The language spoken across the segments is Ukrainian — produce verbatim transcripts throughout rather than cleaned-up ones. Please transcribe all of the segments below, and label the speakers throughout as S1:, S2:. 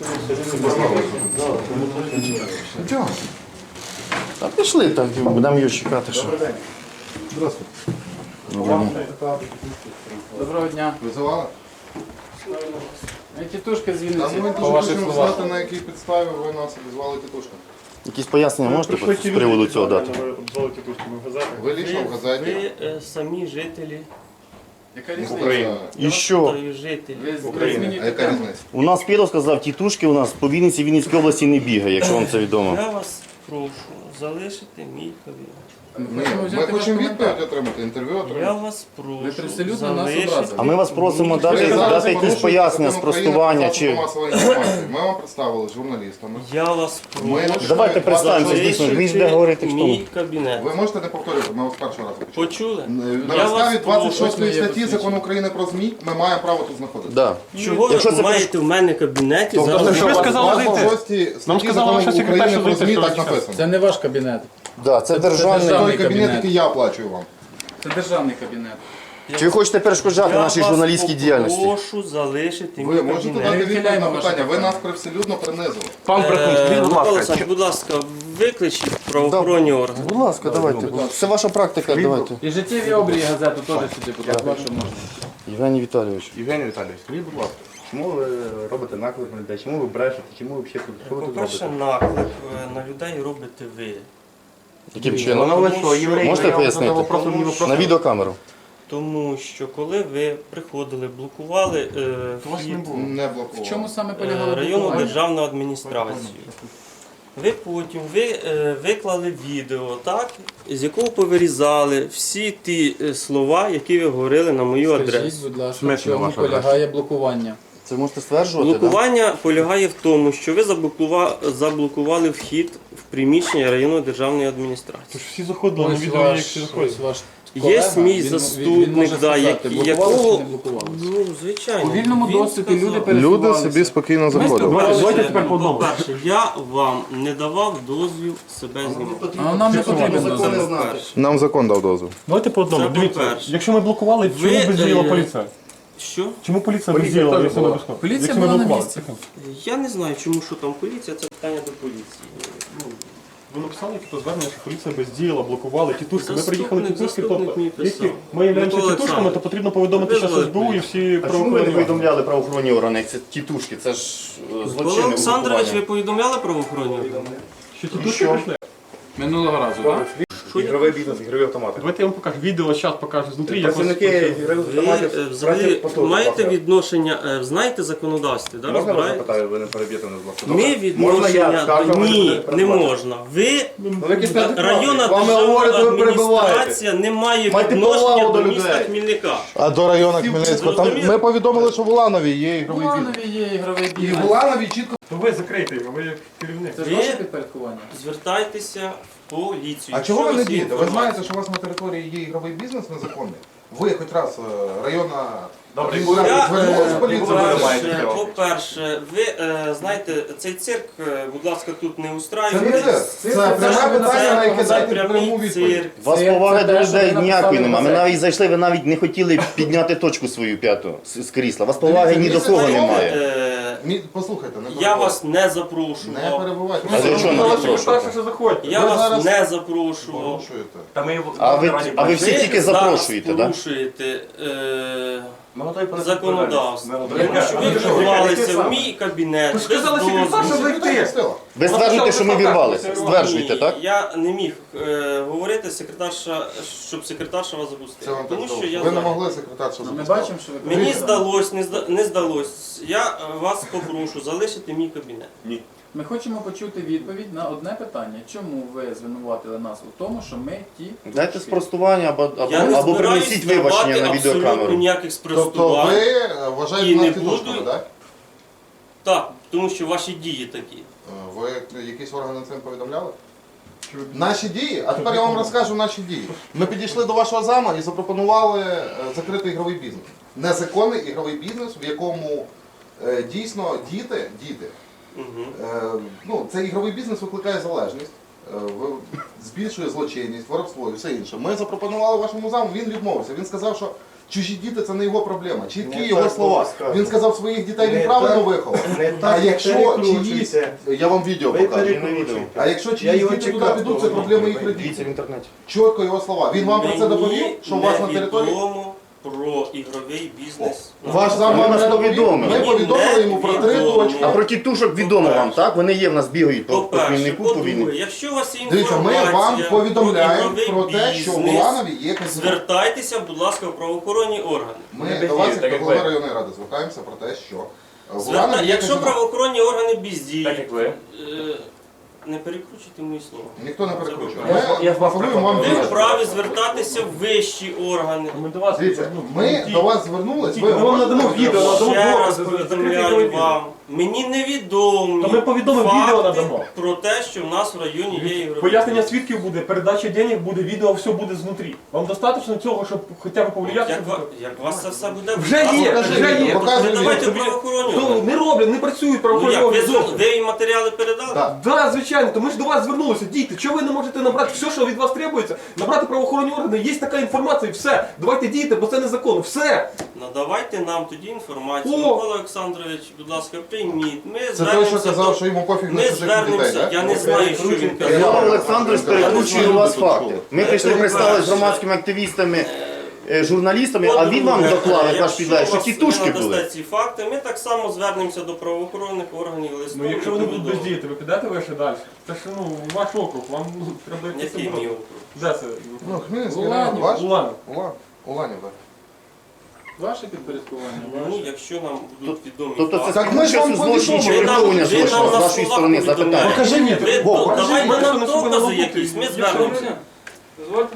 S1: Чого?
S2: Та пішли так, будемо її чекати. Що.
S1: Здравствуйте.
S3: Доброго дня.
S1: Визивали?
S3: Я тітушка з
S1: Та
S3: Вінниці,
S1: ми
S3: по
S1: дуже
S3: ваших
S1: хочемо
S3: словах.
S1: знати, на якій підставі ви нас обізвали тітушками.
S2: Якісь пояснення можете по- з приводу цього дати?
S1: Ви лічно в газеті?
S4: Ви е, самі жителі
S3: Яка різниця?
S1: України.
S2: І що?
S4: та жителі.
S3: Ви з- ви
S1: А
S3: змінюєте
S1: яка
S3: тему.
S1: різниця?
S2: У нас Піро сказав, тітушки у нас по Вінниці, Вінницькій області не бігає, якщо вам це відомо.
S4: Я вас прошу залишити мій кабінет.
S3: Ми
S1: Ні,
S3: хочемо
S1: ми
S3: взяти ваш
S1: хочемо
S3: коментар.
S1: відповідь отримати, інтерв'ю
S4: Я
S1: отримати.
S4: вас
S3: Ви
S4: прошу
S3: привселюдно нас
S4: залишити.
S3: образили.
S2: А ми вас просимо
S1: Ви
S2: дати,
S1: зараз
S2: дати якісь
S1: порушуєте
S2: пояснення,
S1: закон України
S2: спростування
S1: про
S2: чи.
S1: засоби масової інформації. Ми вам представили з журналістами.
S4: Я вас
S1: Ми-
S4: прошу
S2: Давайте представимося, дійсно, він ж буде говорити в тому.
S4: мій кабінет.
S1: Ви можете не повторювати, ми вас першого разу почули.
S4: Почули?
S1: На
S4: Я
S1: підставі
S4: вас прошу.
S1: двадцять шостої
S3: Ось моє
S1: статті
S3: посвідчення.
S1: Закону України про ЗМІ ми маємо право тут знаходитися.
S2: Да.
S4: Чого
S2: Якщо
S4: ви
S2: це
S4: маєте в мене кабінеті
S1: Тобто,
S4: зараз?
S1: що
S5: ви
S1: у вас
S5: сказали
S1: в
S5: зайти.
S1: шостій
S5: Нам
S1: статті
S5: сказала
S1: Закону
S5: ваша секретарша
S1: України про
S5: зайти,
S1: ЗМІ
S5: що
S1: так
S5: ви зараз.
S1: написано.
S3: Це не ваш кабінет.
S2: Да, це
S1: Той
S2: державний.
S3: державний
S1: кабінет,
S3: кабінет.
S1: який я оплачую вам.
S3: Це державний кабінет.
S2: Чи ви хочете перешкоджати нашій журналістській діяльності?
S4: Я вас прошу залишити мій
S1: Ви можете
S4: кабінет.
S1: дати
S3: Не
S1: відповідь
S3: відхиляємо
S1: на
S3: ваше
S1: питання? Ви
S3: питання.
S1: нас привселюдно принизили.
S5: Пан Брехун, скажіть,
S4: Е,
S5: будь
S4: Микола
S5: ласка,
S4: Олександрович, будь ласка, викличіть правоохоронні органи.
S2: Будь ласка, давайте. Це ваша практика, давайте.
S3: І життєві обрії газету теж сюди, будь ласка, якщо можна.
S2: Євгеній Віталійович.
S5: Євгеній Віталійович, скажіть, будь ласка, чому ви робите наклик на людей, чому ви брешете, чому ви взагалі тут, що ви тут
S4: По-перше,
S5: робите?
S4: наклик е, на людей робите ви.
S2: Яким
S5: Вона
S2: чином?
S5: ви що, євреї?
S2: Можете
S5: Я вам
S2: пояснити?
S5: задав вопрос, мені вопрос.
S2: На відеокамеру.
S4: Тому що коли ви приходили, блокували е,
S5: вас не
S4: вхід
S5: було.
S1: Не
S3: В
S1: блокував.
S3: чому саме
S4: е,
S3: полягало
S4: районну
S3: блокування?
S4: державну адміністрацію. Ви потім ви, е, виклали відео, так, з якого повирізали всі ті е, слова, які ви говорили на мою
S3: Скажіть,
S4: адресу.
S3: будь ласка, в
S5: Смисл
S3: чому
S5: ваша адреса?
S3: полягає блокування?
S2: Це ви можете стверджувати, так?
S4: Блокування полягає в тому, що ви заблокува- заблокували вхід в приміщення районної державної адміністрації.
S5: Тож всі заходили на
S3: Ось
S5: відео, як
S3: ваш,
S5: всі
S3: ось
S5: заходять.
S3: ваш
S4: Є
S3: колега,
S4: мій
S3: він- він-
S4: заступник,
S3: він може
S4: да,
S3: сказати,
S4: як-
S3: блокували
S4: якого-
S3: чи не блокували?
S4: Ну, звичайно.
S3: У вільному
S4: Він
S3: доступі люди
S4: сказав.
S3: пересувалися.
S1: спокійно
S3: заходили.
S5: Давайте, давайте
S4: По-перше,
S5: тепер по одному.
S4: По-перше, я вам не давав дозвіл себе знімати.
S3: А нам не потрібен
S2: Закони
S3: дозвіл.
S2: знати.
S1: Нам закон дав дозвіл.
S5: Давайте по одному.
S4: Це
S5: Дивіться,
S4: по-перше.
S5: якщо ми блокували,
S4: Ви,
S5: чому бездіяла
S4: е,
S5: поліція?
S4: Що?
S5: Чому поліція бездіяла, якщо ми блокували?
S3: Поліція
S5: Якщо ми
S3: була на
S5: блокували?
S3: місці.
S4: Я не знаю, чому що там поліція, це питання до поліції. Ну,
S5: Ви написали якесь звернення, що поліція бездіяла, блокували тітушки. Ми
S4: Заступник-
S5: приїхали тітушки,
S4: заступник
S5: тобто,
S4: мені писав.
S5: якщо ми являємося
S4: Микола
S5: тітушками, то
S4: Олександрович,
S5: потрібно повідомити зараз
S4: визвали
S5: ес бе у і всі
S2: А чому ви не
S5: правоохоронні органи.
S2: повідомляли правоохоронні органи, як це тітушки? Це ж е,
S4: Микола
S2: злочинне
S4: Олександрович, ви
S2: угрупування.
S4: повідомляли правоохоронні органи?
S5: Що тітушки прийшли?
S3: Минулого разу, так?
S6: Ігровий бізнес, ігрові автомати.
S5: Давайте я вам покажу відео, зараз покажу знутрі. як ось-
S6: Працівники ігрових
S4: Ви
S6: автоматів.
S4: е, взагалі
S6: послухайте,
S4: маєте
S6: будь ласка.
S4: відношення, е, знаєте законодавство, да,
S6: Можна вас
S4: розбираєте?
S6: запитаю, ви не переб'єте мене, будь ласка?
S4: Ми
S6: Можна я
S4: відношення,
S6: скажу, ви
S4: ні,
S6: не
S4: не
S6: перебивайте?
S4: можна. Ви,
S6: Ну, ви якісь неадекватні.
S4: районна
S6: З вами
S4: державна
S6: говорите, ви перебиваєте.
S4: адміністрація не має
S6: Майте
S4: відношення
S6: повагу
S4: до
S6: до
S4: міста
S6: людей.
S4: Хмельника.
S1: А до району Хмельницького? Там ми повідомили, що в Уланові є
S3: В
S1: ігровий бізнес.
S3: Уланові є ігровий
S1: І
S3: бізнес.
S1: в Уланові чітко.
S5: То ви закрийте його, ви як керівник.
S3: Це ж
S4: Ви-
S3: ваше підпорядкування?
S4: Звертайтеся в поліцію.
S1: А чого ви
S4: Якщо
S1: не
S4: у вас є
S1: дієте? Ви
S4: інформація.
S1: знаєте, що у вас на території є ігровий бізнес незаконний? Ви хоч раз е, районна
S5: Добре,
S1: адміністрація
S4: Я,
S1: звернулася
S4: е,
S1: в поліцію?
S4: по-перше, по-перше, ви е, знаєте, цей цирк, е, будь ласка, тут не
S1: Це не
S4: устраюйте.
S1: це. Це пряме питання, на яке дайте пряму
S4: прямий
S1: відповідь.
S4: цирк.
S2: У вас
S3: Це-
S2: поваги
S3: це
S2: до
S3: те, що
S2: людей
S3: ви
S2: ніякої
S3: написали
S2: немає. Ми
S3: на
S2: навіть зайшли, ви навіть не хотіли підняти точку свою п'яту з з крісла. У вас поваги ні до
S1: Дивіться,
S2: кого
S1: дивіться,
S2: немає.
S4: Е,
S1: Мі- Послухайте, не
S4: Я
S1: перебивайте.
S4: вас не
S1: Не
S4: запрошував.
S1: перебувайте.
S2: А для чого
S5: Ну,
S2: нас
S5: ваші
S2: запрошувати?
S5: перше, що заходьте.
S4: Я
S1: Ви
S4: вас
S1: зараз
S4: не запрошував.
S1: Порушуєте.
S6: Та ми
S2: А ви, а ви всі
S4: Ви
S2: тільки
S4: зараз
S2: запрошуєте, так?
S4: порушуєте е,
S6: Ми готові понести
S4: законодавство.
S6: відповідальність.
S4: Тому що ви вірвалися в мій кабінет.
S5: Ви ж сказали,
S4: без
S5: секретар,
S4: дозволу.
S5: що зайти.
S2: Ви стверджуєте, що ми вірвалися. Стверджуєте,
S4: Ні,
S2: так?
S4: Я не міг е, говорити секретарша, щоб секретарша вас
S1: Це
S4: запустила.
S1: вам
S4: Тому
S1: так
S4: що
S1: здалося.
S4: я
S1: Ви не
S4: зайнятий.
S1: могли секретаршу
S3: Ми
S1: запустити.
S3: бачимо, що ви
S4: Мені здалось, не, зда, не здалось. Я е, вас попрошу залишити мій кабінет.
S3: Ми хочемо почути відповідь на одне питання. Чому ви звинуватили нас у тому, що ми ті...
S2: Дайте спростування або, або,
S4: Я не
S2: або
S4: збираюсь
S2: принесіть вибачення
S4: давати
S2: на
S4: абсолютно
S2: відеокамеру.
S4: ніяких
S1: Тобто
S4: спростувань.
S1: ви е, вважаєте
S4: І
S1: нас
S4: не
S1: тітушками,
S4: буду.
S1: так?
S4: Так, тому що ваші дії такі.
S1: Е, Ви якісь органи цим повідомляли? Наші дії? А тепер я вам розкажу наші дії. Ми підійшли до вашого зама і запропонували е, закрити ігровий бізнес. Незаконний ігровий бізнес, в якому е, дійсно діти, діти,
S4: Угу.
S1: е, ну, цей ігровий бізнес викликає залежність, е, в- збільшує злочинність, воровство і все інше. Ми запропонували вашому заму, він відмовився. Він сказав, що Чужі діти це не його проблема. Чіткі
S5: Не
S1: його
S5: так
S1: слова.
S5: було сказано.
S1: Він сказав, своїх дітей він
S5: Не
S1: правильно
S5: так-
S1: виховав.
S5: не
S1: А
S5: так
S1: якщо чиїсь,
S5: перекручуйте.
S1: я вам відео
S5: Ви
S1: покажу.
S5: перекручуєте.
S1: А якщо
S5: Я
S1: чиїсь
S5: його
S1: діти туди
S5: чекав,
S1: підуть, це
S5: того
S1: проблема їх
S5: моменту.
S2: Дивіться в
S1: родителів.
S2: інтернеті.
S1: Чітко його слова. Він вам про це доповів, що у вас на території.
S4: Відомо про ігровий бізнес.
S1: Ваш зам
S2: Ми
S1: вам
S2: нас
S1: не доповів.
S2: повідомили.
S1: Ми повідомили йому про три
S4: Невідомо.
S1: точки.
S2: А про тітушок відомо вам, так? Вони є в нас бігають по, по
S4: По-перше,
S2: хмільнику, по війні.
S4: по-друге, якщо у вас є
S1: Дивіться, ми
S4: інформація
S1: вам повідомляємо
S4: ігровий
S1: про те, що в
S4: бізнес,
S1: Уланові є казино.
S4: звертайтеся, будь ласка, в правоохоронні органи.
S1: Ми
S5: Не
S1: до вас,
S5: бездіють,
S1: як
S5: так
S1: до
S5: як
S1: голови
S5: ви.
S1: районної ради, звертаємося про те, що в
S4: Зверта...
S1: Уланові є
S4: Якщо
S1: казино.
S4: правоохоронні органи бездіють,
S5: Так як ви.
S4: е, не перекручуйте мої слова.
S1: Ніхто не перекручує.
S4: Я-
S1: Ми
S5: я з вас
S1: пропонуємо вам
S4: Ви
S1: вирішити.
S4: вправі звертатися в вищі органи.
S6: Ми до вас
S1: Дивіться, ми до вас звернулись,
S6: Ми вам надамо відео, надамо
S4: Ще раз
S6: докази, закрити
S4: повідомляю
S6: відео.
S4: вам. Мені невідомі
S6: То ми повідомимо,
S4: факти
S6: відео надамо.
S4: про те, що в нас в районі є ігровий
S6: Пояснення
S4: бізнес.
S6: свідків буде, передача денег буде, відео все буде знутрі. Вам достатньо цього, щоб хоча б повлияти?
S4: Як,
S6: щоб-
S4: ва- як у вас це все буде?
S6: Вже є,
S1: Покажи
S6: вже
S1: відео,
S6: є.
S1: показуй
S4: Ви давайте
S1: відео.
S4: правоохоронні
S6: То
S4: органи.
S6: не роблять, не працюють
S4: Ну
S6: правоохоронні
S4: як, ви,
S6: органи.
S4: звер- ви їм матеріали передали?
S1: Так.
S6: Да, звичайно, то ми ж до вас звернулися. Дійте, чого ви не можете набрати все, що від вас требується? Набрати правоохоронні органи, є така інформація, і все. Давайте дійте, бо це незаконно. Все.
S4: Надавайте нам тоді інформацію.
S6: О!
S4: Микола Олександрович, будь ласка, прийміть. Ми
S1: Це той,
S4: звернемося
S1: що казав,
S4: до-
S1: що йому пофіг на
S4: Ми
S1: чужих дітей,
S4: звернемося,
S1: так?
S4: я не знаю, що він
S2: Іван
S4: казав.
S2: Олександрович перекручує у вас факти. Ми прийшли
S4: Це
S2: представили з
S4: перше.
S2: громадськими активістами, е, журналістами, а він вам
S4: По-друге,
S2: доклав, як ваш
S4: якщо
S2: підлеглий, що
S4: вас
S2: тітушки
S4: не
S2: були.
S4: надасте ці факти, ми так само звернемося до правоохоронних органів листом.
S6: Ну якщо вони будуть
S4: повідомимо.
S6: бездіяти, ви підете вище далі? Це ж ну ваш округ, вам ну, треба якось.
S4: Який мій округ?
S6: Де це?
S1: Ну, Хмельницький
S3: Уланів.
S1: район, ваш?
S6: Улан.
S1: Улан. Уланів, так.
S3: Ваше підпорядкування,
S4: Ну,
S3: ваше.
S4: якщо нам будуть відомі
S2: Тобто це
S4: факти.
S1: Так ми ж вам
S2: злочин чи
S1: повідомили.
S2: приховування
S4: Ви нам-
S2: злочину
S4: ви
S2: з
S4: нам
S2: вашої
S4: на
S2: сторони
S4: словах
S2: запитання.
S1: Покажи мені.
S4: Ви,
S1: Во,
S4: то,
S1: покажи
S4: давайте
S1: мені.
S4: нам
S6: Що на себе
S4: докази
S6: налупити?
S4: якісь, ми
S6: Якщо
S4: звернемося.
S3: Дозвольте?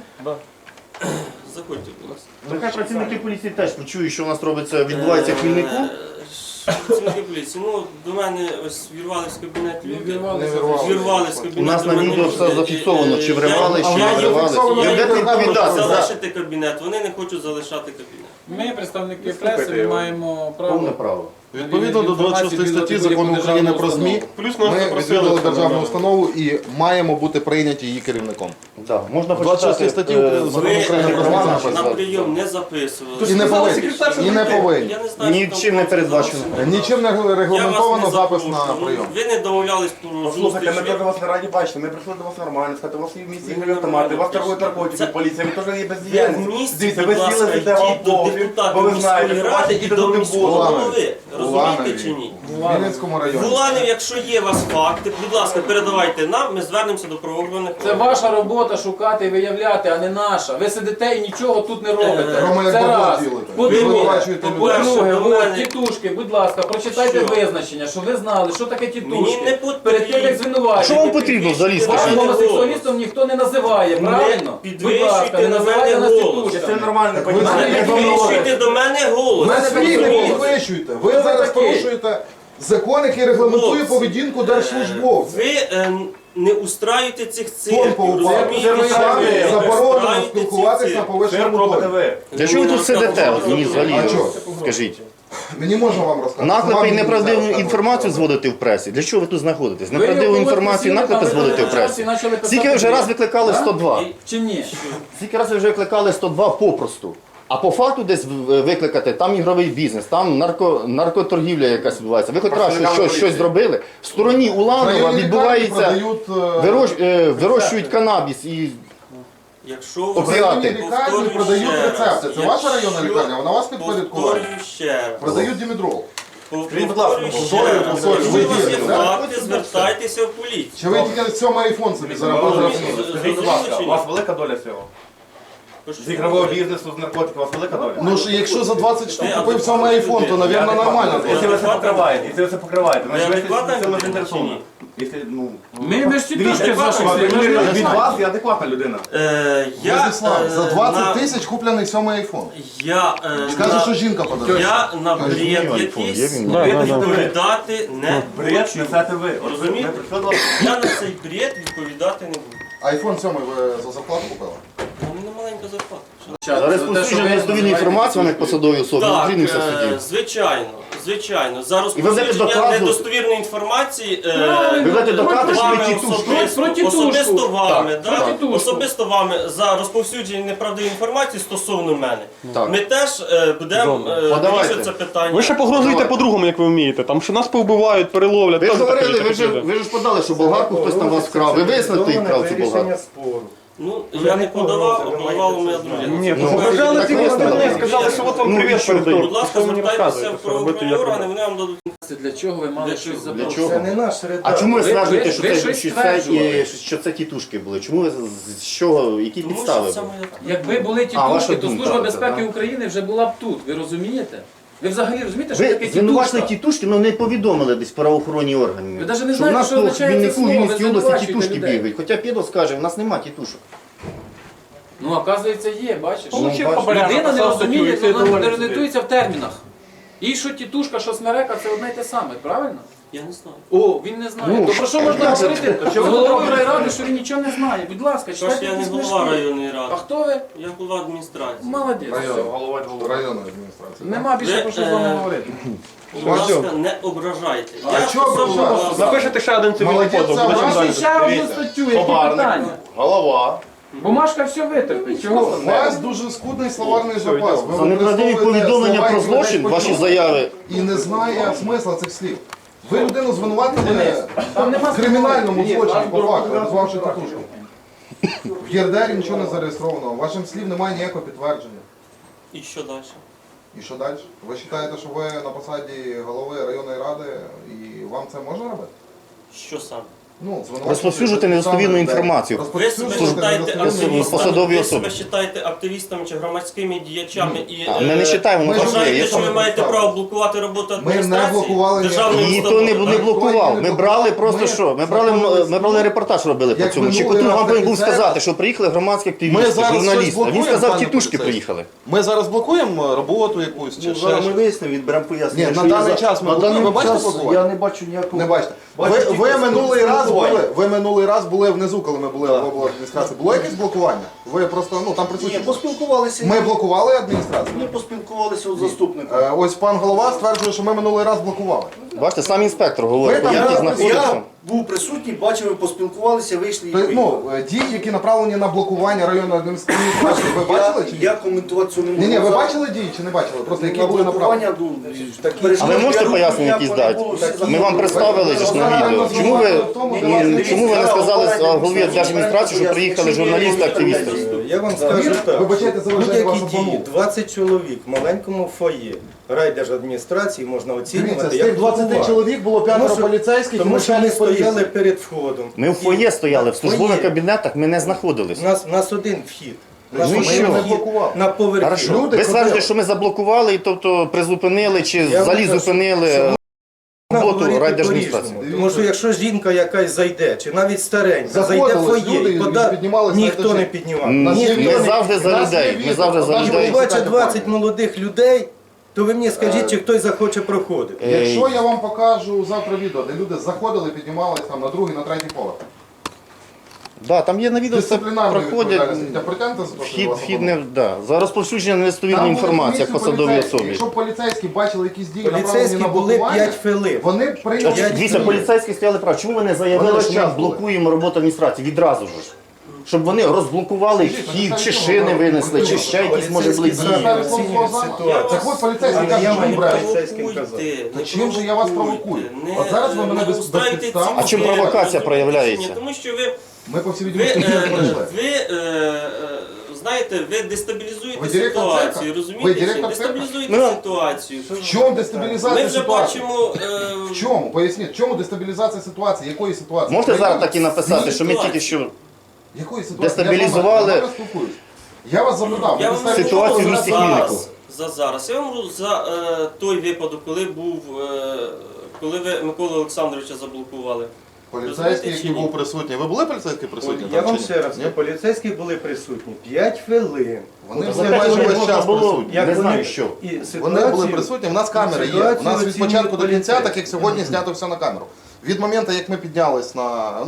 S4: Заходьте, будь ласка.
S2: Нехай працівники поліції теж почують, що у нас робиться, відбувається в Хмільнику.
S4: Е, Працівники поліції, ну до мене ось вірвались в кабінет
S3: Не
S4: люди.
S1: Не
S3: вірвалися.
S1: вірвалися.
S4: Вірвались в кабінет.
S2: У нас
S4: до
S2: на
S4: мене
S2: відео
S4: люди.
S2: все зафіксовано, чи вривали,
S4: Я-
S2: чи
S1: А
S2: не
S1: я
S2: вривали.
S1: зафіксовано,
S2: І
S1: я
S2: будете
S1: відео
S2: відповідати за
S4: залишити кабінет, вони не хочуть залишати кабінет.
S3: Ми, представники
S5: Слухайте
S3: преси, ми
S5: його.
S3: маємо
S2: повне
S3: право.
S2: право.
S1: Відповідно до двадцять шостої статті Закону України про ЗМІ,
S6: Плюс нас
S1: ми
S6: запросили.
S1: відвідали державну установу і маємо бути прийняті її керівником.
S2: Да, можна
S1: В двадцять шостій
S2: почитати.
S1: статті
S2: е,
S1: Закону
S4: Ви
S1: України про
S2: Романа
S1: ЗМІ
S2: написав.
S4: на прийом не записували.
S1: І не
S6: сказали,
S1: повинні.
S6: секретар, що
S1: І не
S6: прийде.
S1: повинні.
S4: Я не знаю, що
S2: Нічим
S4: там
S2: не передбачено.
S4: написано.
S1: Нічим не
S4: Я вас
S1: регламентовано
S4: не
S1: запис на
S4: запрошую.
S1: прийом.
S4: Ви не домовлялись про
S5: Послухайте, ми
S4: зустріч.
S5: теж вас на раді бачили, ми прийшли до вас нормально, сказати, у вас є в місті
S4: Ви
S5: ігрові автомати, у вас
S4: нормально.
S5: торгують наркотики,
S4: Це-
S5: поліція, ви теж є
S4: Ви в
S5: бездіяльність.
S4: місті,
S5: Дивіться,
S4: будь
S5: ви
S4: ласка,
S5: сіли, сидите вам
S4: йдіть до
S5: пофіг, бо
S4: депутатів
S5: ви знаєте,
S4: міської
S5: що у вас
S4: ради і
S5: їде
S4: до
S5: туди
S4: міського
S5: було.
S4: голови. Розумієте чи ні?
S1: В Вінницькому районі.
S4: Буланів, якщо є у вас факти, будь ласка, передавайте нам, ми звернемося до правоохоронних
S3: Це
S4: органів.
S3: ваша робота шукати і виявляти, а не наша. Ви сидите і нічого тут не робите.
S1: Рома, як
S3: Це
S1: бабло
S3: раз.
S1: ділите. Ви
S3: По-друге,
S1: звинувачуєте людей.
S4: по-перше,
S3: по-друге,
S4: до
S3: от,
S4: мене-
S3: тітушки, будь ласка, прочитайте
S4: Що?
S3: визначення, щоб ви знали, що таке
S4: Мені
S3: тітушки.
S4: не потрібно.
S3: Перед тим, як
S2: Що
S3: звинувачувати.
S2: вам потрібно взагалі,
S3: Вас
S2: скажіть?
S3: гомосексуалістом ніхто не називає,
S4: Не
S3: правильно?
S4: підвищуйте
S3: Будь ласка, не
S4: на
S3: називайте
S4: мене
S3: нас
S4: голос.
S5: Це
S3: тітушками.
S5: нормально,
S1: ви
S5: понімаєте?
S1: знаєте,
S4: Не
S5: Як вам
S4: підвищуйте
S5: говорять?
S4: до мене голос.
S3: Мене
S1: Ви свій не
S3: голос.
S1: підвищуєте. Ви
S3: Хто
S1: зараз
S3: такий?
S1: порушуєте закон, який регламентує
S4: Хлопці,
S1: поведінку держслужбовця.
S4: Ви е, не устраюєте цих
S1: Тон
S4: цирків,
S1: поупав.
S4: розумієте?
S1: Це
S5: самі
S4: Ви
S1: заборонено
S4: устраюєте ці
S1: спілкуватися на
S4: цирки.
S5: Що
S1: повищеному
S5: робите
S1: тоні.
S5: ви?
S2: Для чого ви тут сидите? От мені взагалі
S1: А чого?
S2: скажіть.
S1: Мені можна вам розказати.
S2: Наклепи
S1: Вам
S2: і
S1: мені
S2: неправдиву
S1: зараз
S2: інформацію
S1: розказувати.
S2: зводити в пресі. Для чого ви тут знаходитесь?
S3: Ви
S2: Неправдиву
S3: якогось
S2: інформацію,
S3: просили,
S2: наклепи
S3: там
S2: зводити в
S3: ви
S2: пресі.
S3: почали писати
S2: Скільки ви вже
S3: бред.
S2: раз викликали
S3: Да?
S2: сто два?
S3: Чи ні?
S2: Скільки разів ви вже викликали сто два попросту? А по факту десь в- викликати, там ігровий бізнес, там нарко, наркоторгівля якась відбувається. Ви хоч раз щось, щось, щось зробили. В стороні Уланова
S1: Районні
S2: відбувається,
S1: лікарні продають, е,
S2: вирощ, е, вирощують канабіс і
S4: Якщо ви
S2: Опіати.
S1: районні лікарні
S4: повторюю
S1: продають
S4: ще раз,
S1: рецепти. Це ваша районна
S4: якщо-
S1: лікарня? Вона вас підпорядкувала?
S4: Повторюю ще раз.
S1: Продають дімедрол.
S5: Скажіть, будь ласка,
S4: Повторюю ще
S1: повторюю,
S4: раз.
S1: повторюю,
S4: Якщо
S1: ви
S4: у вас є
S1: дієте, да?
S4: факти, звертайтеся в поліцію.
S1: Чи ви тільки сьомий айфон собі заробили?
S5: Скажіть, будь ласка, у вас велика доля цього? З ігрового бізнесу, з наркотиків, у вас велика доля?
S1: Ну ж, якщо за двадцять штук
S4: Ти
S1: купив сьомий айфон, то, мабуть, нормально.
S5: Якщо ви це покриваєте, якщо ви це покриваєте,
S4: Ви
S5: значить ви
S4: адекватна
S5: цим
S4: людина чи
S5: заінтересовані.
S4: ні?
S5: Якщо, ну,
S3: Ми без тітушки
S5: дивіться,
S3: з ваших
S5: ви-
S3: слів.
S5: ви-
S3: Ми ж
S5: від
S3: не
S5: вас я адекватна людина.
S4: Е, я,
S1: Владислав,
S4: е,
S1: за
S4: на-
S1: двадцять тисяч куплений сьомий айфон.
S4: Я, е,
S1: Скаже,
S4: на-
S1: що жінка подарує.
S4: я на бред
S2: Є айфон,
S4: якийсь
S2: є він.
S5: Да, да, да.
S4: відповідати не
S5: Бред
S4: хочу.
S5: несете ви. От ви-
S4: Розумієте?
S5: ми прийшли до вас.
S4: Я на цей бред відповідати не буду.
S1: Айфон сьомий ви за зарплату купили?
S4: У мене маленька зарплата.
S2: За розповсюдження недостовірної інформації вони посадові особи
S4: Так,
S2: зустрінемося в
S4: е,
S2: суді.
S4: звичайно, звичайно. За
S2: будете
S4: розповсюдження
S2: доказувати-
S4: недостовірної інформації е,
S2: Ви будете доказувати, що
S4: вами
S2: ви тітушки.
S4: особисто,
S3: Про тітушку.
S4: особисто вами,
S3: Так,
S4: да?
S3: про тітушку.
S4: особисто вами за розповсюдження неправдивої інформації стосовно мене.
S2: Так.
S4: Ми теж е, будемо е,
S2: Подавайте.
S4: вирішувати це питання.
S6: Ви ще погрожуєте
S2: Давай.
S6: по-другому, як ви вмієте. Там що нас повбивають, переловлять.
S2: Ви ж
S6: Теж таке
S2: говорили, ви
S6: таке
S2: ж,
S6: буде.
S2: ви ж подали, що болгарку хтось там вас вкрав. Ви вияснили, хто їх вкрав цю болгарку?
S5: спору.
S4: Ну, я не подавав, а подавала моя дружина.
S6: Ні,
S2: Ну,
S6: побажали
S2: так
S6: ці
S2: ясно,
S6: сторони,
S2: так.
S6: сказали, що от вам
S2: Ну, і
S6: привіт
S2: що,
S6: передають.
S4: Будь ласка,
S6: Що ви мені
S4: звертайтеся
S6: розказуєте,
S4: в
S6: що робити,
S4: правоохоронні
S6: як
S4: органи,
S6: робити?
S4: вони вам дадуть.
S3: Для чого ви мали
S4: Для
S3: щось
S4: чого?
S2: Для
S3: запросити?
S2: чого?
S5: Це не наш редактор.
S2: А чому ви
S3: Ви-
S2: стверджуєте,
S3: ви-
S2: що
S3: ви
S2: це,
S3: щось
S2: що це,
S3: стверджували.
S2: е, що це тітушки були? Чому ви з з чого, які
S4: Тому
S2: підстави
S4: що це
S2: були?
S4: моя
S3: Якби були
S2: А, ваша
S3: тітушки, то
S2: думка,
S3: Служба
S2: це,
S3: безпеки
S2: да?
S3: України вже була б тут. Ви розумієте? Ви взагалі розумієте, що таке
S2: Ви звинувачили
S3: тітушка?
S2: тітушки, але не повідомили десь правоохоронні органи.
S3: Ви навіть не
S2: Що
S3: знаєте,
S2: в нас
S3: що
S2: тут в
S3: означає це
S2: Віннику, в
S3: слово, ви
S2: Вінницькій області
S3: звинувачуєте
S2: тітушки
S3: людей.
S2: бігають. Хоча Підо скаже, в нас нема тітушок.
S3: Ну, оказується, є, бачиш.
S6: Получив
S2: бачиш,
S6: хабаря,
S3: Людина не
S6: написав статтю, і
S3: розуміє,
S6: все
S3: вона
S6: доволі
S3: не
S6: собі.
S3: орієнтується в термінах. І що тітушка, що смерека, це одне й те саме, правильно?
S4: Я не знаю.
S3: О, він не знає.
S2: Ну,
S3: То про що можна
S2: як це?
S3: говорити з головою райради, що він нічого не знає? Будь ласка,
S4: Тож
S3: читайте
S4: я не
S3: якісь
S4: голова
S3: книжки.
S4: районної
S3: А
S4: ради.
S3: хто ви?
S4: Я голова адміністрації.
S3: Молодець.
S1: Район,
S3: все.
S1: районної адміністрації.
S3: Нема більше
S4: Ви,
S3: про що з вами
S4: е,
S3: говорити.
S4: Будь ласка, не ображайте.
S1: А
S4: Я
S1: чого
S4: стосовно
S1: ображати?
S4: вас-
S6: Напишете ще один цивільний
S1: Молодець,
S6: позов,
S1: це
S6: буде чим
S1: образа.
S6: далі.
S3: Ще одну статтю, які питання?
S2: голова.
S3: Бумажка все витерпить. Чого?
S1: У вас дуже скудний словарний запас. Ви
S2: За неправдиві
S1: використовуєте
S2: повідомлення
S1: слова,
S2: про
S1: які людей
S2: злочин, ваші
S1: почули,
S2: заяви.
S1: і не знає смисла цих слів. Ви людину звинуватили
S3: Там нема
S1: в кримінальному
S3: Ні,
S1: злочині
S3: там
S1: по факту,
S3: дорога-
S1: назвавши татушку. В ЄРДРі нічого не зареєстровано, ваших слів немає ніякого підтвердження.
S4: І що далі?
S1: І що далі? Ви вважаєте, що ви на посаді голови районної ради і вам це можна робити?
S4: Що саме?
S1: Ну, звинувачувати
S2: Розповсюджувати
S1: людей,
S2: недостовірну
S1: людей.
S2: інформацію.
S4: Ви себе
S1: Розповсюджувати
S4: вважаєте
S1: недостовірну
S2: активістами,
S4: активістами,
S2: посадові
S4: ви
S2: особи.
S4: себе вважаєте активістами чи громадськими діячами і
S2: А, ми не
S4: е,
S2: вважаємо, воно
S1: ми
S2: так є.
S4: вважаєте,
S2: Є
S4: що ви
S2: там-
S4: маєте
S1: підстави.
S4: право блокувати роботу
S1: Ми не
S4: адміністрації?
S1: блокували
S4: державної
S2: Ніхто
S4: установи,
S2: не, не
S4: так?
S2: блокував. Ми брали просто
S1: Ми
S2: що? Ми брали,
S1: знаходились-
S2: ми брали репортаж робили по
S1: Як
S2: цьому.
S1: минулий
S2: Чекотун
S1: раз,
S2: вам
S1: так
S2: повинен
S1: і
S2: був
S1: зараз.
S2: сказати, що приїхали громадські
S1: Ми
S2: активісти,
S1: зараз щось
S2: журналісти. А він
S1: блокуємо,
S2: сказав,
S1: пане
S2: тітушки
S1: поліцейський?
S2: приїхали.
S1: Ми зараз блокуємо роботу якусь чи ще щось?
S2: вияснимо, відберемо пояснення.
S1: Ні,
S2: що
S1: на
S2: є
S1: даний
S2: за-
S1: час ми
S2: на
S1: блокуємо.
S2: даний
S1: Ви бачите
S2: час
S1: блокування?
S2: Я не бачу ніякого.
S1: Не бачите. Ви,
S2: Бачите,
S1: ви,
S2: тільки
S1: минулий раз
S2: спілкування.
S1: були, ви минулий раз були внизу, коли ми були в обладміністрації. Було якесь блокування? Ви просто, ну там
S2: Ні,
S1: присутні.
S2: поспілкувалися.
S1: Ми блокували адміністрацію?
S2: Ми поспілкувалися з заступником.
S1: Е, Ось пан голова стверджує, що ми минулий раз блокували.
S2: Бачите, сам інспектор говорить,
S1: Ви там
S2: як і
S1: раз-
S2: знаходився.
S7: Я був присутній, бачив, ми поспілкувалися, вийшли і
S1: Тобто,
S7: поїхали.
S1: ну, е, дії, які направлені на блокування районної адміністрації, ви бачили чи ні?
S7: Я коментувати цього не можу.
S1: Ні, ні, ви
S7: Зараз
S1: бачили дії чи не бачили? Просто які
S7: на
S1: були направлені?
S7: блокування, ну, такі
S2: А ви
S7: перешкоди,
S2: можете
S7: я
S2: пояснення
S7: руку
S2: якісь
S7: ніякого
S2: дати?
S7: не було, всі
S2: Ми вам
S7: забули.
S2: представили ж на відео. Чому ви, чому ви не сказали а, голові держадміністрації, що приїхали журналісти, активісти?
S8: Я вам скажу так.
S1: Вибачайте, заважаю вас
S8: Будь-які дії,
S1: обманув.
S8: двадцять чоловік в маленькому фоє райдержадміністрації можна
S1: Дивіться,
S8: оцінювати
S1: з
S8: як
S1: тих двадцяти
S8: блокування.
S1: чоловік було п'ятеро
S8: Тому що-
S1: поліцейських і
S8: Тому що ми
S1: начальник
S8: стояли
S1: поліції.
S8: перед входом.
S2: Ми в фоє стояли, в службових
S8: Фоє.
S2: кабінетах ми не
S8: У
S2: знаходились.
S8: нас, у нас один вхід. У нас
S2: Ну і
S8: один
S2: що?
S1: Ми не
S8: вхід
S1: блокували.
S8: на поверхі.
S2: Хорошо.
S1: Люди
S2: Ви
S1: ходили.
S2: стверджуєте, що ми заблокували, і тобто призупинили чи
S8: Я
S2: взагалі
S8: вам кажу,
S2: зупинили
S8: що
S2: роботу
S8: говорити
S2: райдержадміністрації.
S8: по-різному. Тому що якщо жінка якась зайде, чи навіть старенька, зайде в
S1: Заходились
S8: фоє
S1: люди
S8: і
S1: і
S8: пода...
S1: піднімались на
S8: ніхто
S1: етажі.
S8: не піднімав.
S2: Ні,
S1: Нас є
S2: ми
S1: відео.
S2: завжди за
S1: Нас є
S2: людей. Ми
S1: відео.
S2: завжди за
S1: Одна
S2: людей.
S8: І бачить
S1: Читайте
S8: двадцять
S1: правильно.
S8: молодих людей, то ви мені скажіть, чи хтось захоче проходити.
S2: Е,
S1: Якщо я вам покажу завтра відео, де люди заходили, піднімались там на другий, на третій поверх.
S2: Да, там є на відео, все
S1: Дисциплінарної
S2: проходять.
S1: відповідальності. Та притягнете за те, що
S2: Вхід,
S1: вас
S2: вхід
S1: обманули?
S2: не да. За розповсюдження
S1: Там
S2: недостовірної
S1: були
S2: інформації як
S1: комісії
S2: посадовій
S1: поліцейські.
S2: особі.
S1: Якщо б поліцейські бачили якісь дії, направлені
S8: Поліцейські
S1: на
S8: були
S1: блокування,
S8: п'ять хвилин.
S1: вони б прийняли...
S8: П'ять
S2: Дивіться,
S8: хвилин.
S2: поліцейські стояли прав. Чому ви не заявили,
S1: Вони
S2: що
S1: час
S2: ми
S1: були.
S2: блокуємо роботу адміністрації відразу ж? Щоб вони розблокували вхід, чи шини винесли, чи ще якісь може були
S8: Поліцейські
S2: дії.
S8: зараз оцінюють ситуацію.
S1: Так от поліцейські
S8: Але
S1: кажуть,
S8: я
S1: що ви
S8: маю
S1: брали.
S8: поліцейським казав.
S4: Провокуйте,
S1: Та
S4: не
S1: чим же я вас
S4: провокуйте,
S1: провокую?
S4: не-
S1: От зараз ви мене
S4: не
S1: без-
S4: устраюйте
S1: безпідставно-
S4: ці
S2: А чим
S4: вибори,
S2: провокація
S4: розумієте?
S2: проявляється?
S4: Тому що ви,
S1: Ми по всій
S4: ви,
S1: відомості
S4: е,
S1: не пройшли.
S4: ви е, е, знаєте, ви дестабілізуєте
S1: Ви директор
S4: ситуацію,
S1: церкви? Ви
S4: розумієте? чи ні?
S1: директор церкви?
S4: Дестабілізуєте
S2: Ну,
S4: ситуацію.
S1: В чому
S4: Ми
S1: дестабілізація
S4: вже
S1: ситуації?
S4: бачимо... е,
S1: В чому? Поясніть, в чому дестабілізація ситуації? Якої ситуації?
S2: Можете
S1: Країна-
S2: зараз так і написати, що ми
S4: ситуації.
S2: тільки що
S1: Якої ситуації?
S2: дестабілізували-
S1: Я з вами спілкуюсь. Я вас запитав.
S4: Я
S1: ви
S4: вам
S1: дестабілізували
S2: Ситуацію в
S1: зараз
S2: місті
S1: зараз.
S2: Хмільнику.
S4: за зараз. Я вам говорю за е, той випадок, коли був, е, коли ви Миколу Олександровича заблокували.
S1: Поліцейський,
S4: Розумієте,
S1: який
S4: чи ні?
S1: був присутній. Ви були поліцейські присутні?
S8: Я
S1: там
S8: вам
S1: чи ні?
S8: ще раз
S1: Ні?
S8: скажу, поліцейські були присутні п'ять хвилин.
S1: Вони
S2: За
S1: були
S2: п'ять
S1: майже
S2: хвилин
S1: весь
S2: можна
S1: час
S2: було-
S1: присутні.
S2: Я не
S8: вони-
S2: знаю, що.
S8: І
S1: Вони
S8: ситуацію-
S1: були присутні, в нас камери є. У
S8: ситуацію
S1: нас від
S8: оцінюють
S1: початку до кінця,
S8: поліцейські.
S1: так як сьогодні знято все на камеру. Від моменту, як ми піднялись на, ну,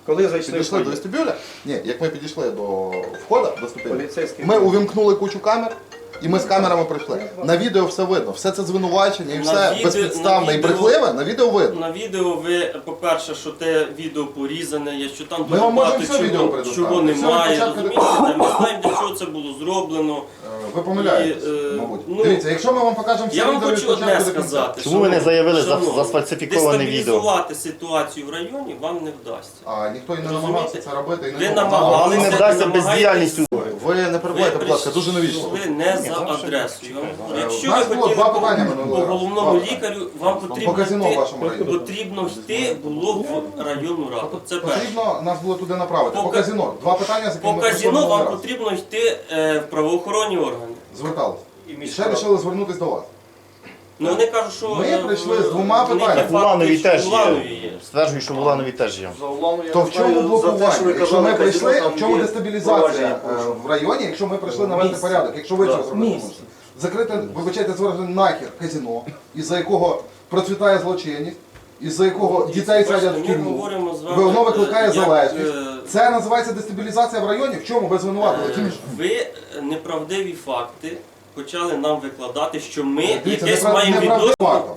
S8: Коли зайшли в
S1: Підійшли до
S8: фойє,
S1: вестибюля. Ні, як ми підійшли до входу, до ступені,
S8: поліцейський
S1: ми увімкнули кучу камер. І ми з камерами прийшли. На відео все видно. Все це звинувачення і
S4: На
S1: все
S4: відео-
S1: безпідставне
S4: на
S1: і
S4: відео-
S1: брехливе на відео видно.
S4: На відео ви, по-перше, що те відео порізане, є, що там
S1: Ми
S4: дуже
S1: вам можемо
S4: багато
S1: все відео
S4: чого,
S1: предоставити.
S4: чого
S1: Все від
S4: немає.
S1: початку до
S4: Розумієте? Ми знаємо, для чого це було зроблено.
S1: Е, Ви помиляєтесь,
S4: І, е,
S1: мабуть.
S4: ну,
S1: Дивіться, якщо ми вам покажемо все
S4: Я вам
S1: відео від
S4: хочу
S1: початку
S4: одне
S1: до кінця.
S4: сказати.
S2: Чому ви не заявили за-
S4: шановні,
S2: за сфальсифіковане відео?
S4: Дестабілізувати ситуацію в районі вам не вдасться.
S1: А ніхто і не
S4: Розумієте?
S1: намагався це робити. І не
S4: Ви
S1: було.
S4: намагалися,
S2: Не вдасться
S4: намагаєтесь-
S2: бездіяльністю.
S1: Ви не перебувайте, будь ласка, дуже навічно.
S4: прийшли не за адресою. Я вам говорю, Якщо
S1: У нас
S4: ви
S1: було
S4: хотіли
S1: два
S4: по,
S1: питання
S4: по
S1: минулого разу.
S4: головному
S1: Два питання.
S4: лікарю, вам потрібно
S1: По казино в
S4: йти,
S1: вашому районі.
S4: потрібно йти було в районну раду. Це перше.
S1: Потрібно нас було туди направити.
S4: По
S1: По
S4: ка-
S1: казино. Два питання, з якими
S4: По
S1: ми прийшли
S4: казино
S1: минулого
S4: вам
S1: разу.
S4: потрібно йти е, в правоохоронні органи.
S1: Зверталися.
S8: і
S1: І ще
S8: міська
S1: вирішили звернутися до вас.
S4: Ну вони кажуть, що
S1: Ми
S4: е,
S1: прийшли з
S4: в-
S1: двома
S4: в них є
S1: питаннями.
S2: В Уланові
S4: факти, що
S2: теж
S4: в Уланові
S2: є.
S4: є.
S2: Стверджую, що в Уланові теж є.
S7: За Улану я
S1: То
S7: не
S1: в чому
S7: знаю, за те,
S1: блокування?
S7: що ви
S1: Якщо
S7: казали,
S1: ми прийшли,
S7: казино,
S1: в
S7: там
S1: чому
S7: є
S1: дестабілізація
S7: провадження
S1: е, в районі, якщо ми прийшли навести
S7: Місце.
S1: порядок, якщо ви
S7: Да.
S1: що зробити
S7: Місце.
S1: можете? Закрити, вибачайте, звержене нахер казино, із-за якого процвітає злочинність, із-за якого дітей
S4: Бачите,
S1: садять в
S4: ми
S1: тюрму,
S4: говоримо з вами,
S1: воно викликає
S4: е, як,
S1: залежність.
S4: е,
S1: Це називається дестабілізація в районі? В чому ви звинуватили?
S4: Е,
S1: Чим ж?
S4: Ви неправдиві факти почали нам викладати, що ми
S1: Дивіться,
S4: якесь
S1: неправ-
S4: маємо
S1: неправдивий
S4: відношення.
S1: факт.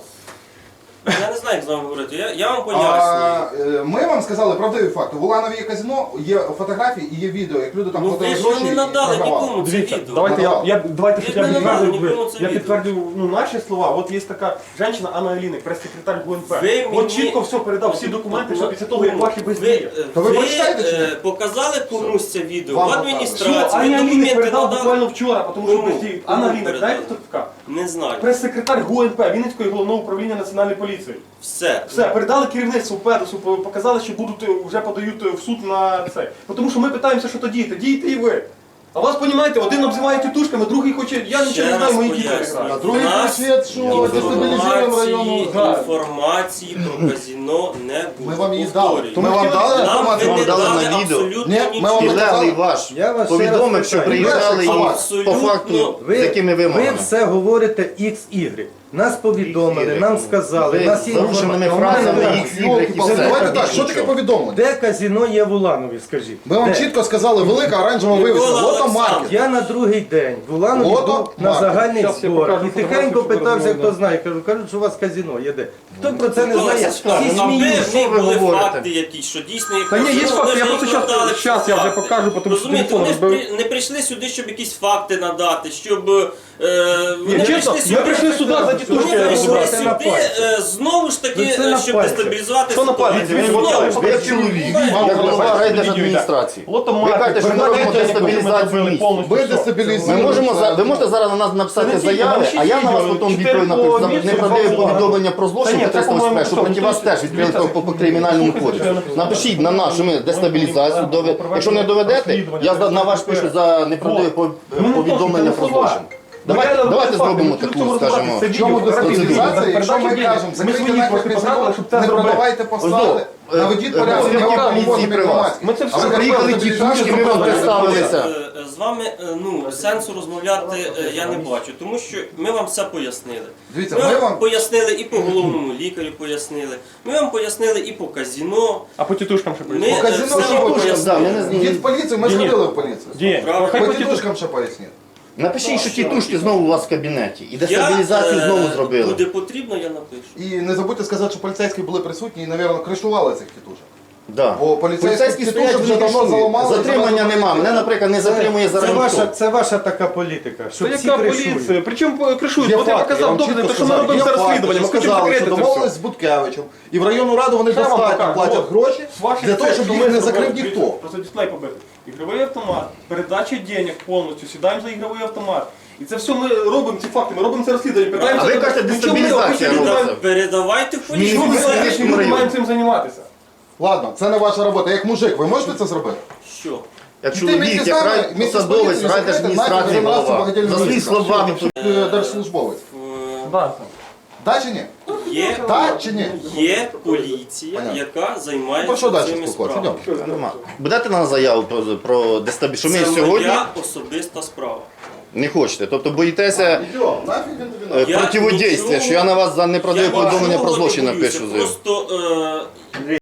S4: Я не знаю, як з вами говорити. Я, я вам пояснюю.
S1: А, е, Ми вам сказали правдиві факти. В Уланові є казино, є фотографії і є відео, як люди там
S4: Ну
S1: платили
S4: ви ж
S1: гроші
S4: не
S1: і
S4: надали
S1: програвали.
S4: нікому це
S6: Дивіться,
S4: відео.
S6: давайте я, я давайте
S4: Ви
S6: щоб я
S4: не надали
S6: підтвердив,
S4: нікому це
S6: я
S4: відео.
S6: підтвердив ну, наші слова. От є така жінка Анна Аліник, прес-секретар ГУНП.
S4: Ви
S6: От
S4: мені-
S6: чітко все передав, всі документи, що після того, як ваші
S4: Ви,
S6: бездії.
S4: е,
S1: То ви
S4: ви,
S1: прочитаєте чи ні?
S4: е, показали комусь це відео
S1: Вам
S4: в
S1: показали.
S6: Що
S4: адміністрації, ви
S6: Аня Аліник
S4: документи
S6: передав
S4: надали?
S6: буквально вчора, тому що
S4: Кому?
S6: бездії.
S4: Кому
S6: Анна Аліник,
S4: передали?
S6: знаєте, хто така?
S4: Не знаю.
S6: Прес-секретар ГУНП, Вінницького головного управління Національної поліції.
S4: Все.
S6: Все, передали керівництву ПЕДОСу, показали, що будуть е, вже подають е, в суд на це. Тому що ми питаємося, що то діяти. Дієте і ви. А вас, розумієте, один обзиває тітушками, другий хоче, я нічого
S4: Ще
S6: не знаю,
S4: раз
S6: мої діти
S4: пояснюю.
S6: грають.
S1: А другий
S4: У нас
S1: просвіт, що дестабілізуємо району.
S4: Інформації,
S6: Да.
S4: інформації про казино не було.
S1: Ми вам її дали.
S4: Повторюю.
S1: Ми вам дали
S4: Нам ви
S1: інформацію?
S4: не
S2: Вам дали
S4: дали
S2: на відео.
S4: абсолютно
S1: Ні, ми вам не
S4: нічого.
S1: казали.
S2: Підлеглий ваш
S7: Я вас ще
S2: повідомив,
S7: раз
S2: що
S7: питаю.
S2: приїжджали і
S4: Абсолютно.
S2: по факту з якими
S7: Ви
S2: вимогами.
S7: все говорите ікс ігрек. Нас повідомили, нам сказали,
S2: Ви
S7: нас є
S2: з зарушеними
S7: інформація.
S2: фразами
S7: Нормально.
S2: X, Y і все.
S1: Давайте так, що таке
S2: Нічого.
S1: повідомлення?
S7: Де казино є в Уланові, скажіть?
S1: Ми вам
S7: Де?
S1: чітко сказали, велика оранжева
S4: Микола
S1: вивіска, лото
S4: Олександрович.
S1: маркет.
S7: Я на другий день в Уланові
S1: Ото
S7: був на
S1: маркет.
S7: загальний
S6: Щас я
S7: збор
S6: покажу
S7: і
S6: фотографію,
S7: тихенько
S6: щоб
S7: питався,
S6: розуміли.
S7: хто знає. Кажу, кажуть, що у вас казино є де. Хто про це не
S4: Микола
S7: знає?
S4: Олександрович,
S7: Всі
S4: а ви-
S7: сміються.
S2: що ви
S4: ви були
S2: говорите?
S4: факти якісь, що дійсно є
S6: Та ні, є
S4: казино,
S6: факти,
S4: вони
S6: я
S4: ж
S6: просто
S4: їх
S6: щас-
S4: надали
S6: щас
S4: всі
S6: я вже
S4: факти.
S6: покажу, тому що
S4: Розумієте,
S6: телефон
S4: вони ж
S6: розбив.
S4: при- не прийшли сюди, щоб якісь факти надати, щоб... Е, вони
S6: Ні, чесно, ми прийшли сюди за
S4: Вони
S6: тітушки
S4: прийшли
S6: розібрати.
S7: Це на
S4: сюди
S7: пальці.
S4: е, знову ж
S7: Ви
S4: таки,
S7: це на
S4: е, щоб
S7: пальці.
S4: дестабілізувати
S6: Що на пальці?
S4: ситуацію.
S6: Ви
S4: Знову
S6: ж
S4: ж
S2: Ви як
S4: таки.
S2: чоловік,
S6: Вам
S2: як голова
S6: показали
S2: райдержадміністрації.
S6: Лото
S2: Ви
S6: маркет,
S2: кажете, що ми
S6: передали
S2: робимо
S6: денег,
S2: дестабілізацію
S6: ми
S2: міста.
S6: повністю
S1: Ви
S6: все.
S2: Ми
S1: дестабілізуєте.
S2: можемо за- ви можете зараз на нас написати
S6: Це не тільки,
S2: заяви,
S6: там ще
S2: а я на вас
S6: відео,
S2: потім
S6: чотири
S2: відповідь
S6: по
S2: напишу за
S6: місяцю,
S2: неправдиве
S6: два
S2: повідомлення про
S6: Та
S2: злочин
S6: ні,
S2: по
S6: це,
S2: триста
S6: по-моєму,
S2: що проти
S6: що,
S2: вас теж відкрили по, по, по кримінальному кодексу. Напишіть на нас, що ми дестабілізацію доведемо. Якщо не доведете, я за- на вас пишу за неправдиве по- повідомлення про злочин. Давайте, давайте зробимо таку, скажімо,
S1: В чому дестабілізація, якщо ми кажемо, закрийте нахер казино, не продавайте посади, наведіть
S2: е,
S1: порядок, ми вам
S2: поліції
S1: поможемо
S2: при вас.
S1: громадським.
S6: Ми це
S1: А
S6: все
S1: ви
S2: приїхали
S1: кажете,
S2: ті
S1: дестабілізацію
S2: тушки, ми вам
S1: продавайте.
S2: представилися.
S4: Е, З вами е, ну, сенсу розмовляти е, я не бачу, тому що ми вам все пояснили.
S1: Дивіться,
S4: Ми
S1: ми
S4: вам
S1: вам
S4: пояснили і по головному лікарю пояснили, ми вам пояснили і по казино.
S6: А по тітушкам ще
S4: Ми
S6: прийшли.
S1: по
S4: е,
S1: казино,
S4: все
S1: що
S4: вам
S1: ви
S4: пояснили.
S2: Да, ми не з-
S1: Від поліції, ми
S6: Ні, ні.
S1: сходили в поліцію.
S6: Ні,
S4: Правильно.
S6: хай
S1: По
S6: по тітушкам.
S1: тітушкам ще поясніть.
S2: Напишіть, що ті тушки знову у вас в кабінеті. І
S4: Я,
S2: дестабілізацію
S4: е,
S2: знову зробили.
S4: Буде потрібно, я напишу.
S1: І не забудьте сказати, що поліцейські були присутні і, мабуть, кришували цих тітушок.
S2: Да.
S1: Бо поліцейські
S2: Поліцейські
S1: тітушок
S2: стоять,
S1: вже
S2: вже
S1: давно
S2: давно
S1: заламали.
S2: Затримання
S1: завезли
S2: нема.
S1: поліцію.
S2: Мене, наприклад, не затримує
S7: Це
S2: зараз
S7: ваша,
S2: ніхто.
S7: це ваша така політика,
S6: Це
S7: що всі
S6: яка
S7: кришують.
S6: поліція? Причому кришують?
S1: Є
S6: От я
S1: факти,
S6: показав
S1: вам
S6: докази,
S1: чітко
S6: то що ми
S1: сказали,
S6: робимо
S1: є
S6: це
S1: факти,
S6: розслідування, ми
S1: що
S6: хочемо
S1: сказали,
S6: закрити
S1: що
S6: це
S1: домовились
S6: все.
S1: з Буткевичем, і в районну раду вони
S6: Ще вам
S1: достатньо
S6: покажу.
S1: платять
S6: От.
S1: гроші
S6: З ваших
S1: для того,
S6: цих,
S1: щоб
S6: що
S1: їх
S6: ми
S1: не
S6: зробили,
S1: закрив
S6: дивіться,
S1: ніхто.
S6: Просто дисплей побитий. Ігровий автомат, передача денег повністю, сідаємо за ігровий автомат. І це все ми робимо, ці факти, ми робимо це розслідування. питаємося-
S2: А ви кажете,
S6: Ну, чому ми
S2: дестабілізація
S6: робимо?
S2: робиться.
S4: Передавайте в поліцію.
S6: Чому ми
S2: Міністр
S6: сьогодні
S2: Міністр
S6: не
S2: району.
S6: маємо цим займатися?
S1: Ладно, це не ваша робота. Як мужик, ви можете це зробити?
S4: Що?
S2: Як
S1: Ти
S2: чоловік,
S1: місті
S2: як
S1: саме-
S2: рай-
S1: місті з
S2: посадовець,
S1: поліцією
S2: райдержадміністрації
S1: закрити, знаєте,
S2: голова.
S1: багатільна
S2: За свої
S1: міліція.
S2: слова
S1: Е, Держслужбовець.
S4: Е,
S6: Да.
S1: Так чи ні?
S4: Є,
S1: Так чи ні?
S4: є поліція,
S1: Понятно.
S4: яка
S1: Про
S4: займається
S1: що далі
S4: цими
S1: спілкуватися?
S4: справами.
S1: Йдемо.
S2: Нема. Будете на нас заяву про, про дестабілізацію? Що ми
S4: Це
S2: сьогодні
S4: моя особиста справа.
S2: не хочете. Тобто боїтеся
S1: Йдемо, нафіг він тобі
S2: е,
S1: надо?
S4: Я
S2: противодействия,
S4: нічого-
S2: що я на вас за неправдиве
S4: Я
S2: повідомлення
S4: нічого
S2: про
S4: не
S2: злочин
S4: боюся.
S2: напишу. заяву.
S4: Просто е,